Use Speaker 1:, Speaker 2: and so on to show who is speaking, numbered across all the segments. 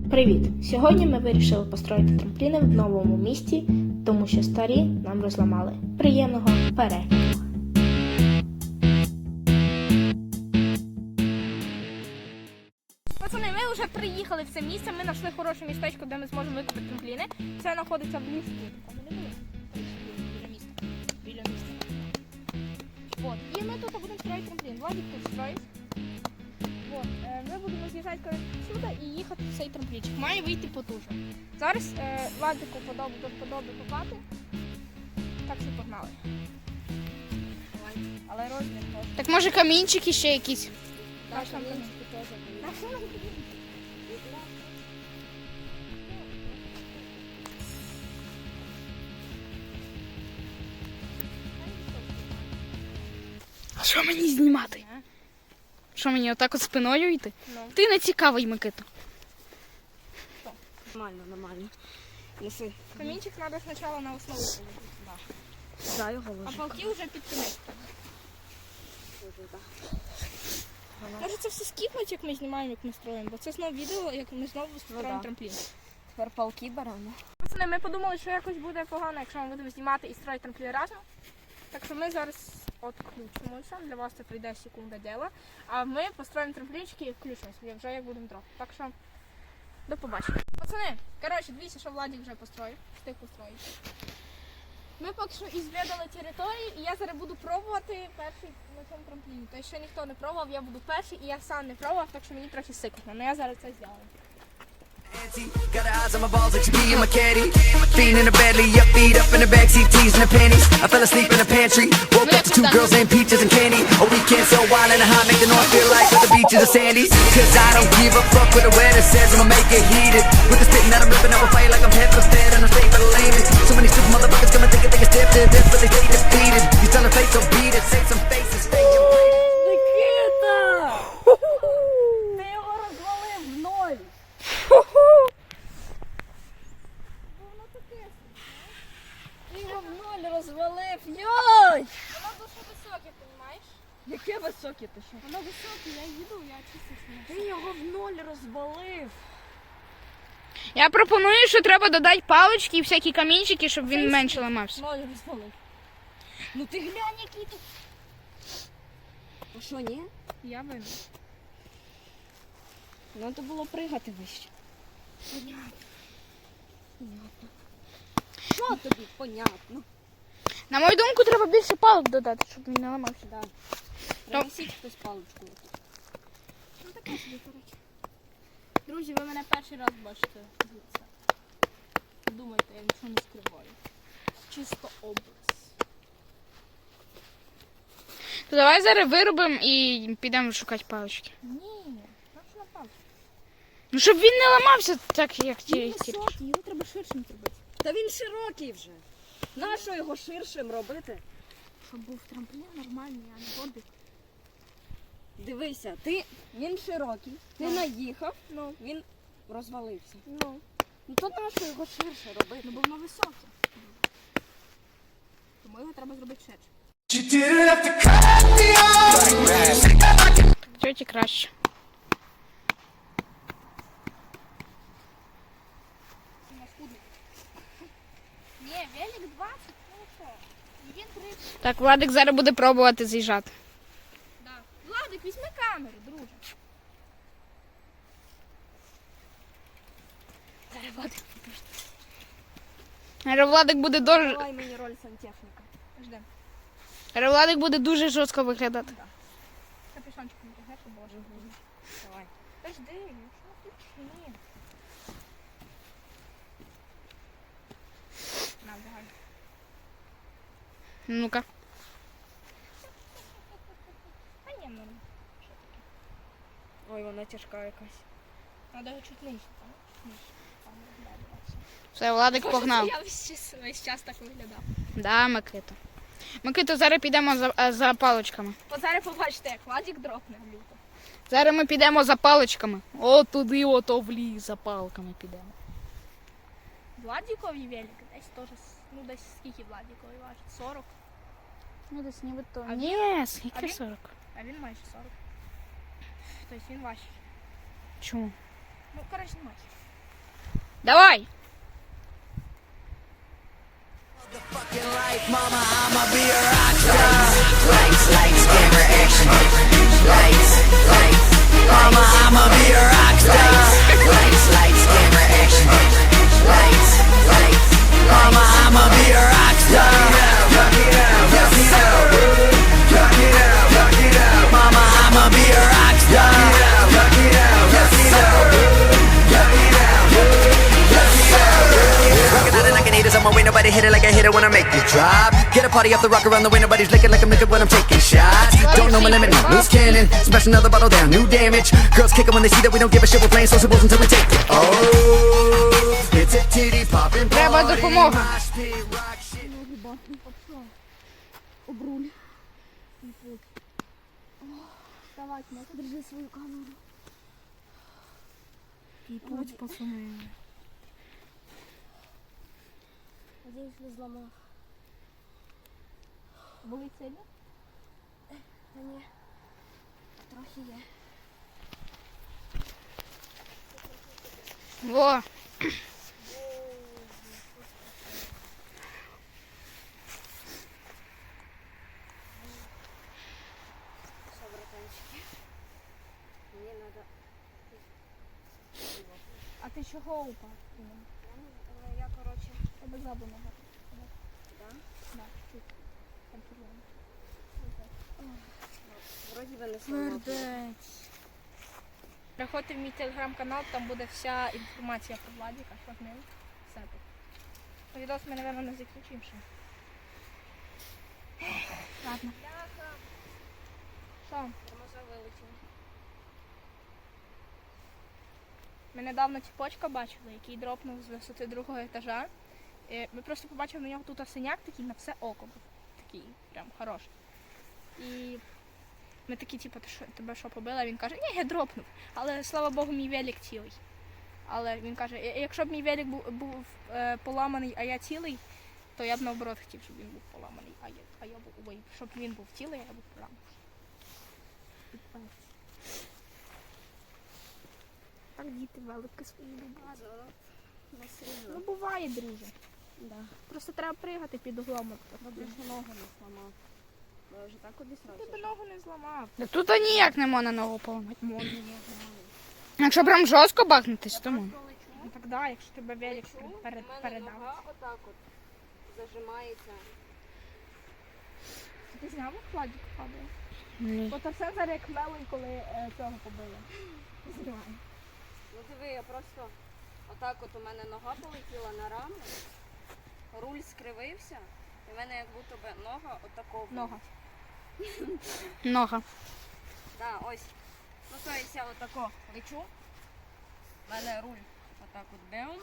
Speaker 1: Привіт! Сьогодні ми вирішили построїти трампліни в новому місті, тому що старі нам розламали. Приємного перегляду!
Speaker 2: Пацани, ми вже приїхали в це місце, ми знайшли хороше містечко, де ми зможемо викопати трампліни. Це знаходиться в лісі. Біля міста. Вот. І ми тут будемо строїти трамплін. Владик тут строїть. Вот. Ми будемо з'їжджати сюди і їхати в цей трамплінчик. Має вийти потужно. Зараз Владику подобає копати. Так що погнали. Але розмір теж.
Speaker 3: Так може камінчики ще якісь?
Speaker 2: Так, там камінчики теж.
Speaker 3: А що мені знімати? Що мені отак от спиною йти?
Speaker 2: Ну.
Speaker 3: Ти не цікавий, Микита.
Speaker 4: Нормально. Неси.
Speaker 2: Камінчик треба спочатку на основу положити.
Speaker 4: Да, його
Speaker 2: А
Speaker 4: ложу.
Speaker 2: палки вже під кінець. Може це все скіпнуть, як ми знімаємо, як ми строїмо, бо це знову відео, як ми знову строїмо
Speaker 4: да.
Speaker 2: трамплін.
Speaker 4: Тепер палки беремо.
Speaker 2: Пацани, ми подумали, що якось буде погано, якщо ми будемо знімати і строїти трамплін разом. Так що ми зараз відключимося, для вас це прийде секунда діла. А ми построїмо трамплінчики і включимося, вже як будемо трохи. Так що до побачення. Пацани, коротше, дивіться, що Владик вже построїв, встиг построїти. Ми поки що ізвідали територію, і я зараз буду пробувати перший на цьому трампліні. Тобто ще ніхто не пробував, я буду перший, і я сам не пробував, так що мені трохи сикотно. Але я зараз це зроблю.
Speaker 5: Got her eyes on my balls like she be in my caddy. Fiend in the Bentley, up feet up in the backseat, teasing the panties. I fell asleep in the pantry, woke up to two girls named Peaches and Candy. A weekend so wild and hot, make the north feel like the beaches of Sandy's. Cause I don't give a fuck what the weather says, I'ma make it heated. With the spitting that I'm ripping, I will fight like I'm head first dead and I'm straight for the lamest. So many stupid motherfuckers come and think a step to this, but they stay defeated. You tell them face so beat it, save some faces, fake and bleed it.
Speaker 4: Никита! Ти його розвалив в ноль! Ти його в ноль розвалив! Йой!
Speaker 2: Воно дуже високе, розумієш?
Speaker 4: Яке високе ти що?
Speaker 2: Воно високе, я їду, я чистюся.
Speaker 4: Ти його в ноль розвалив!
Speaker 3: Я пропоную, що треба додати палички і всякі камінчики, щоб він менше ламався.
Speaker 4: Ноль розвалив. Ну ти глянь, який тут. А що, ні?
Speaker 2: Я винна.
Speaker 4: Ну то було пригати вище.
Speaker 2: Понятно.
Speaker 4: Понятно. Що тобі понятно?
Speaker 3: На мою думку, треба більше палок додати, щоб він не ламався.
Speaker 4: Да. Принесіть хтось паличку.
Speaker 2: Ну таке собі, коротше. Друзі, ви мене перший раз бачите. Дивіться. Думайте, я нічого не скриваю. Чисто образ.
Speaker 3: То давай зараз виробимо і підемо шукати палички.
Speaker 2: Ні, так що напав.
Speaker 3: Ну, щоб він не ламався так, як ті.
Speaker 2: Він високий, його треба ширшим зробити.
Speaker 4: Та він широкий вже. Нащо його ширшим робити?
Speaker 2: Щоб був трамплін нормальний, а не горбик.
Speaker 4: Дивися, він широкий, ти
Speaker 2: Ну.
Speaker 4: наїхав,
Speaker 2: Ну,
Speaker 4: він розвалився.
Speaker 2: ну.
Speaker 4: Ну то нащо його ширше робити?
Speaker 2: Ну, бо воно високе. Тому його треба зробити ширше.
Speaker 5: You didn't have to cut me off.
Speaker 3: Тьоті краще.
Speaker 2: У нас худник. Ні, велик 20, ну що? Він 30.
Speaker 3: Так, Владик зараз буде пробувати з'їжджати.
Speaker 2: Да. Владик, візьми камеру, друже.
Speaker 4: Зараз Владик,
Speaker 3: Зараз Владик буде дуже.
Speaker 4: давай мені роль сантехніка.
Speaker 2: Ждем.
Speaker 3: Зараз Владик буде дуже жорстко виглядати.
Speaker 2: Капюшончик не тягне, щоб було живо.
Speaker 4: Давай.
Speaker 2: Та жди, ну що ти? Ні. На, давай.
Speaker 3: Ну-ка.
Speaker 2: А ні, ну.
Speaker 4: Ой, вона тяжка якась.
Speaker 2: Надо його чуть нижче, так? Нижче. Там, да, давай.
Speaker 3: Все, Владик погнав.
Speaker 2: Я весь час так виглядав.
Speaker 3: Да, Микита. Микита, зараз підемо за паличками.
Speaker 2: От зараз побачите, як Владик дропне люто.
Speaker 3: Зараз ми підемо за паличками. О, туди, ото в ліс за палками підемо.
Speaker 2: Владикові велик десь теж, ну десь скільки Владикові важить? 40?
Speaker 3: Ну, десь нібито.
Speaker 2: А
Speaker 3: Ні, скільки
Speaker 2: а він?
Speaker 3: 40.
Speaker 2: А він майже 40. Тобто він важчий.
Speaker 3: Чому?
Speaker 2: Ну, коротше, не важчий.
Speaker 3: Давай.
Speaker 5: Fucking life, mama, I'ma be a rock star. Lights, lights, camera, action. Lights, lights, mama, I'ma be a rock star. Lights, lights, camera, action. Lights, lights, mama, I'ma be a rock star. Rock it out, rock it out, rock it out, rock it out, mama, I'ma be a rock star. Rock it out, rock it out, rock it out, rock it out. Rockin' out it like an eater, so ain't nobody hit it like I hit it when I make it drop. Get a party off the rock around the way, nobody's licking like I'm licking when I'm taking shots. Don't know my limit, no loose cannon. Smash another bottle down, new damage. Girls kick 'em when they see that we don't give a shit. We're playing sociables until we take it. Oh, it's a titty poppin'
Speaker 3: Треба
Speaker 5: party.
Speaker 3: допомога.
Speaker 5: Mosh pit, rock shit.
Speaker 4: Обруль. Давай, держи свою камеру.
Speaker 2: Путь, пацани.
Speaker 4: Надіюсь, не зламав.
Speaker 2: Болить сильно?
Speaker 4: Та ні. Трохи є.
Speaker 3: Во.
Speaker 4: Що, братанчики? Мені треба...
Speaker 2: А ти чого упав?
Speaker 4: Я, коротше...
Speaker 2: Тебе ззаду нога.
Speaker 4: Да?
Speaker 2: Да, чуть. Там червоно.
Speaker 4: Вроді би не зламав.
Speaker 2: Приходьте в мій телеграм-канал, там буде вся інформація про Владіка, що з ним. Все тут. Відос ми, мабуть, не закінчимо ще. Ладно. Що?
Speaker 4: Тормоза вилетіли.
Speaker 2: Ми недавно тіпочка бачили, який дропнув з висоти другого етажа. Ми просто побачили на нього тут синяк такий на все око був. Такий прям хороший. І ми такі, типу, тебе що побили? А він каже, ні, я дропнув. Але слава Богу, мій велик цілий. Але він каже, якщо б мій велик був поламаний, а я цілий, то я б наоборот хотів, щоб він був поламаний, а я був, ой, щоб він був цілий, а я був поламаний. Так діти велики свої люблять.
Speaker 4: Не сильно.
Speaker 2: Ну буває, друже.
Speaker 4: Да.
Speaker 2: Просто треба пригати під углом.
Speaker 4: Добре, що ногу не зламав. Бо я вже так обісрався.
Speaker 2: Ти б ногу не зламав.
Speaker 3: Да тут ніяк не можна ногу поламати. Якщо прям жорстко бахнутись, то можна.
Speaker 2: Ну так да, якщо тебе велик
Speaker 4: У мене
Speaker 2: передав.
Speaker 4: нога отак от зажимається.
Speaker 2: Ти зняв Владик падає?
Speaker 3: Ні.
Speaker 2: От все зараз як мелень, коли цього побили. Знімаю.
Speaker 4: Ну диви, я просто отак от у мене нога полетіла на раму, руль скривився, і в мене як будто би нога отако.
Speaker 2: Нога.
Speaker 3: Нога.
Speaker 4: Да, ось. Ну то есть я отако лечу, в мене руль отак от беум,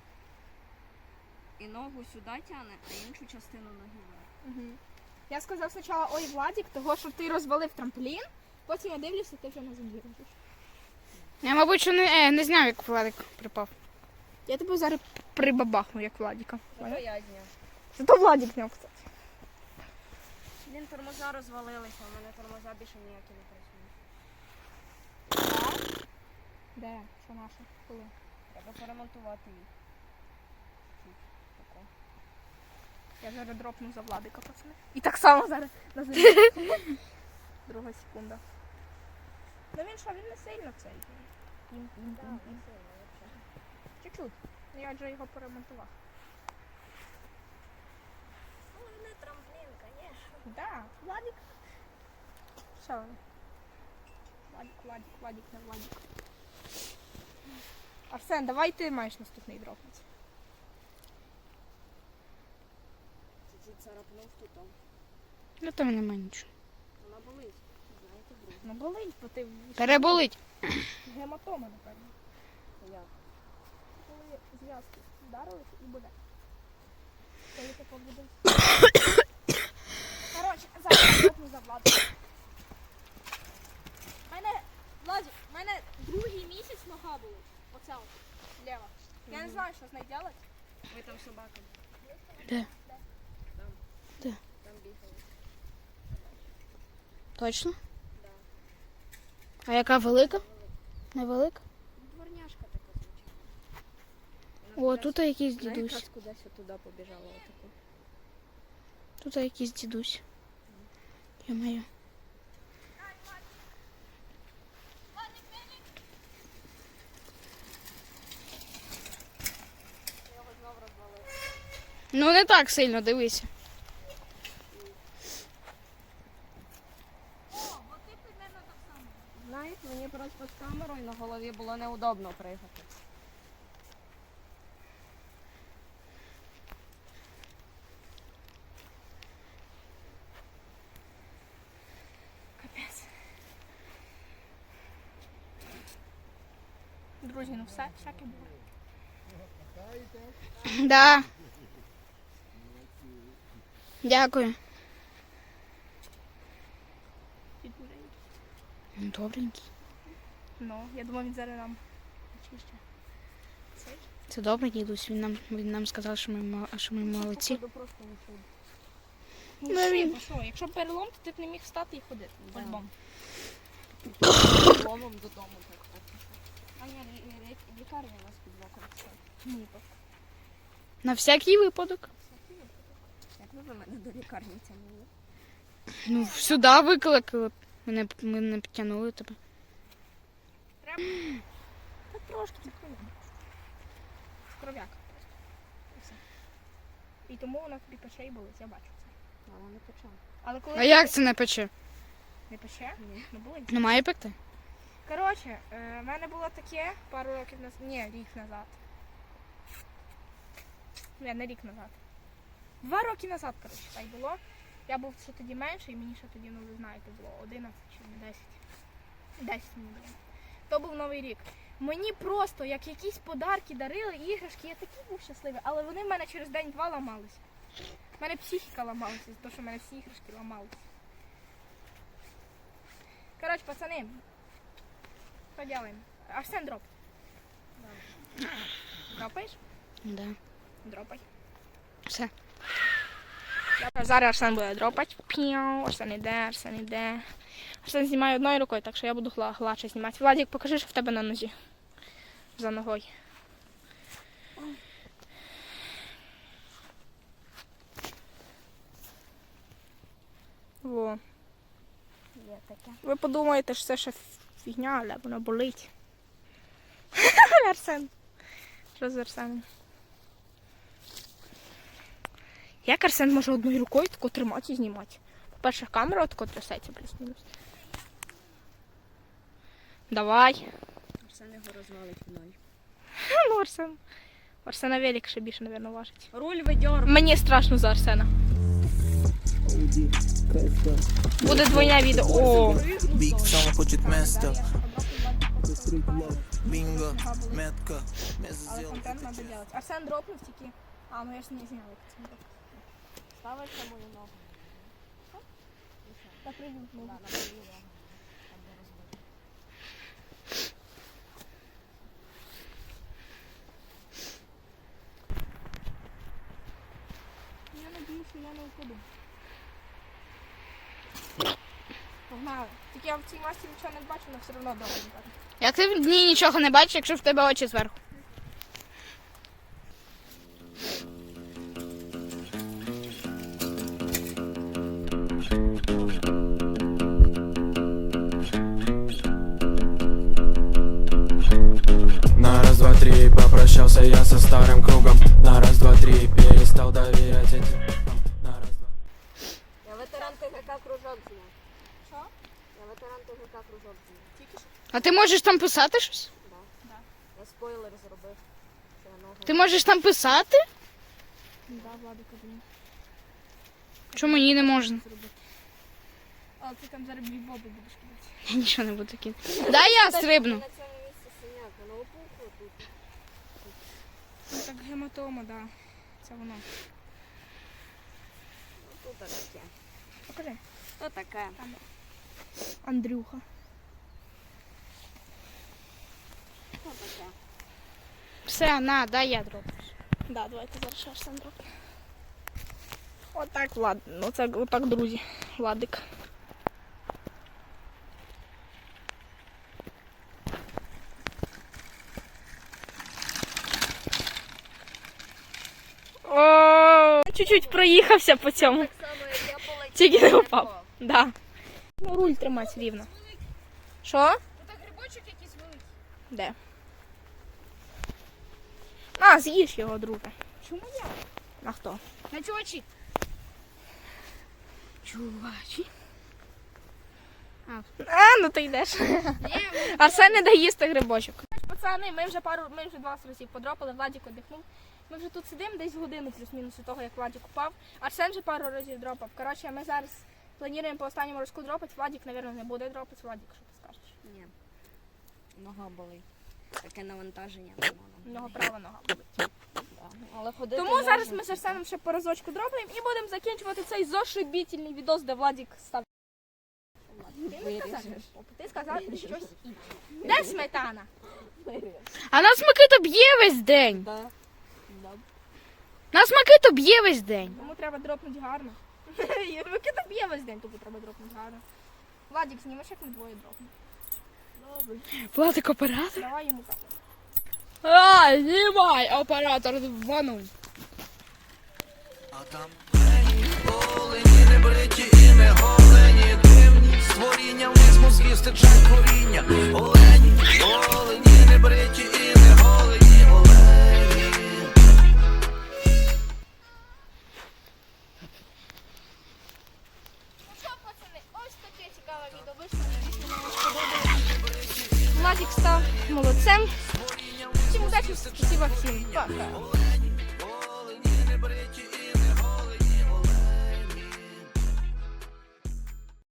Speaker 4: і ногу сюди тягне, а іншу частину ноги вверх.
Speaker 2: Угу. Я сказав спочатку, ой, Владик, того, що ти розвалив трамплін, потім я дивлюся, ти вже на землі лежиш.
Speaker 3: Я, мабуть, що не зняв, як Владик припав.
Speaker 2: Я тебе зараз прибабахну, як Владіка.
Speaker 4: Зато я зняв.
Speaker 2: Зато Владик зняв, кстати.
Speaker 4: Блін, тормоза розвалилися, у мене тормоза більше ніякі не працюють.
Speaker 2: Де? Що наше? Коли?
Speaker 4: Треба поремонтувати їх. Тако.
Speaker 2: Я зараз дропну за Владика, пацани. І так само зараз на землі. Друга секунда. Ну він що, він не сильно цей. Пім-пім-пім-пім. Чуть-чуть. Ну, я вже його поремонтував.
Speaker 4: Ну, не трамплін, звісно.
Speaker 2: Да, Владик. Все. Владик, не Владик. Арсен, давай ти маєш наступний дропнець.
Speaker 4: Чуть-чуть царапнув тут.
Speaker 3: Ну там немає нічого.
Speaker 4: Вона болить. Знаєте, друг.
Speaker 2: Ну болить, бо ти
Speaker 3: Переболить.
Speaker 2: гематома, напевно.
Speaker 4: Як?
Speaker 2: Коли зв'язки вдарили і буде. Коли таке буде. Коротше, зараз я дропну за Владика. В мене другий місяць нога болить. Оця от, ліва. Я не знаю, що з нею робити.
Speaker 4: Ви там собака.
Speaker 3: Де?
Speaker 4: Там.
Speaker 3: Де?
Speaker 4: Там бігали.
Speaker 3: Точно?
Speaker 4: Да.
Speaker 3: А яка велика? Невелика?
Speaker 4: Дворняшка така звичайна.
Speaker 3: О, тут якийсь
Speaker 4: Вона
Speaker 3: дідусь.
Speaker 4: якраз кудись туди побіжала отаку.
Speaker 3: Тут якийсь дідусь. Йо-моє.
Speaker 4: Його знов розвалили.
Speaker 3: Ну не так сильно, дивися.
Speaker 4: Знаєш, мені просто з камерою на голові було неудобно пригати.
Speaker 2: Друзі, ну все, всяке було.
Speaker 3: Да. Дякую. Добренький.
Speaker 2: Ну, я думаю, він зараз нам очище.
Speaker 3: Це добре, дідусь. Він нам сказав, що ми молодці.
Speaker 4: Походу просто ушов.
Speaker 2: Ну,
Speaker 3: він-
Speaker 2: що, якщо перелом, то ти б не міг встати і ходити.
Speaker 4: Да.
Speaker 2: По-любому.
Speaker 4: Ломом додому так поки. А ні, лікарня у нас під боком.
Speaker 2: Ні, то.
Speaker 3: На всякий випадок.
Speaker 4: Як ви мене до лікарні тягнули?
Speaker 3: Ну, сюди викликали. Ми не підтягнули тебе.
Speaker 2: Та трошки тільки. Кров'як просто. І все. І тому вона тобі пече і болить, я бачу це.
Speaker 4: Мама не почала.
Speaker 2: Але коли
Speaker 3: А як це не пече?
Speaker 2: не пече,
Speaker 4: Ні.
Speaker 2: ну болить.
Speaker 3: Не має пекти?
Speaker 2: Коротше, в мене було таке пару років назад. Ні, рік назад. Ні, не рік назад. 2 роки назад, коротше, так було. Я був ще тоді менше, і мені ще тоді, ну ви знаєте, було 11 чи 10. 10 мені було. То був Новий рік. Мені просто як якісь подарки дарили, іграшки, я такий був щасливий, але вони в мене через день-два ламалися. У мене психіка ламалася, за те, що в мене всі іграшки ламалися. Коротше, пацани, що делаем? Арсен, дроп. Дропаєш?
Speaker 3: Да.
Speaker 2: Дропай.
Speaker 3: Все.
Speaker 2: Зараз Арсен буде дропати. Піу, Арсен іде. Арсен знімає одною рукою, так що я буду гладше знімати. Владик, покажи, що в тебе на нозі. За ногою. Во.
Speaker 4: Є таке.
Speaker 2: Ви подумаєте, що це ще фігня, але воно болить. Арсен. Що з Арсеном? Як Арсен може одною рукою тако тримати і знімати? По-перше, камера тако трясеться плюс-мінус. Давай.
Speaker 4: Арсен його розвалить в ноль.
Speaker 2: Ну, Арсен. Арсена велик ще більше, мабуть, важить.
Speaker 4: Руль видьор.
Speaker 2: Мені страшно за Арсена. Буде двойне відео. О!
Speaker 6: Big someone put your messed up. Bingo, метка,
Speaker 2: Але контент треба робити. Арсен дропнув тільки. А, ну я ж не зняла. як це дропнув.
Speaker 4: Ставиш на мою ногу.
Speaker 2: Та прийду.
Speaker 4: Да, на мою ногу. Там де розбито.
Speaker 2: Я надію, що я не впаду. Погнали. Тільки я в цій масці нічого не бачу, але все одно добре.
Speaker 3: Як ти в дні нічого не бачиш, якщо в тебе очі зверху?
Speaker 7: На раз, два, три, попрощался я со старым кругом. На раз, два, три, перестал доверять этим. На раз, два.
Speaker 4: Я ветеран ТГК кружок зняв. Що? Я ветеран ТГК кружок зняв.
Speaker 2: Тільки що?
Speaker 3: А ти можеш там писати щось?
Speaker 4: Да. Я спойлер зробив. Це нога.
Speaker 3: Ти можеш там писати?
Speaker 2: Да, Владик один.
Speaker 3: Чому мені не можна?
Speaker 2: Але ти там зараз бібоби будеш кидати.
Speaker 3: Я нічого не буду кидати. Дай я стрибну.
Speaker 4: На цьому місці синяк, воно опухло тут.
Speaker 2: Ну, так гематома, да. Це воно.
Speaker 4: Ну тут таке.
Speaker 2: Покажи.
Speaker 4: Що таке?
Speaker 2: Андрюха.
Speaker 4: Що таке?
Speaker 3: Все, на, дай я дроблю.
Speaker 2: Да, давайте зараз ще Арсен дропне. Отак, Влад. Ну це отак, друзі. Владик.
Speaker 3: чуть-чуть проїхався по цьому. Тільки не упав. Да.
Speaker 2: Ну, руль тримати рівно. Що?
Speaker 3: Це грибочок якийсь великий.
Speaker 2: Де? На, з'їж його, друже.
Speaker 3: Чому я?
Speaker 2: А хто?
Speaker 3: На чувачі. Чувачі.
Speaker 2: Ну ти йдеш. Арсен не дає їсти грибочок. Пацани, ми вже 20 разів подропали, Владик одихнув. Ми вже тут сидимо десь годину плюс-мінус від того, як Владик упав. Арсен вже пару разів дропав. Коротше, ми зараз плануємо по останньому разку дропати. Владик, мабуть, не буде дропати. Владик, що ти скажеш?
Speaker 4: Ні. Нога болить. Таке навантаження на ногу.
Speaker 2: Нога права, нога болить.
Speaker 4: Да. Але ходити
Speaker 2: Тому
Speaker 4: можна.
Speaker 2: зараз ми з Арсеном ще по разочку дропаємо і будемо закінчувати цей зашибітельний відос, де Владик став. Ти сказав щось інше. Де сметана?
Speaker 3: А нас Микита б'є весь день.
Speaker 4: Да. Да.
Speaker 3: Нас Микита б'є весь день.
Speaker 2: Тому треба дропнути гарно. Микита б'є весь день, тому треба дропнути гарно. Владик, знімеш, як ми двоє дропнемо.
Speaker 3: Владик оператор.
Speaker 2: Давай йому так.
Speaker 3: А, знімай, оператор 2-0.
Speaker 6: А там олені, не бриті і не голені, дивні створіння, вниз мозгів стичать коріння. Олені, олені, не бриті і не голені, олені.
Speaker 2: Ну що, пацани, ось таке цікаве відео вийшло. Владик став молодцем. Всім удачі, спасибо всім. Пока.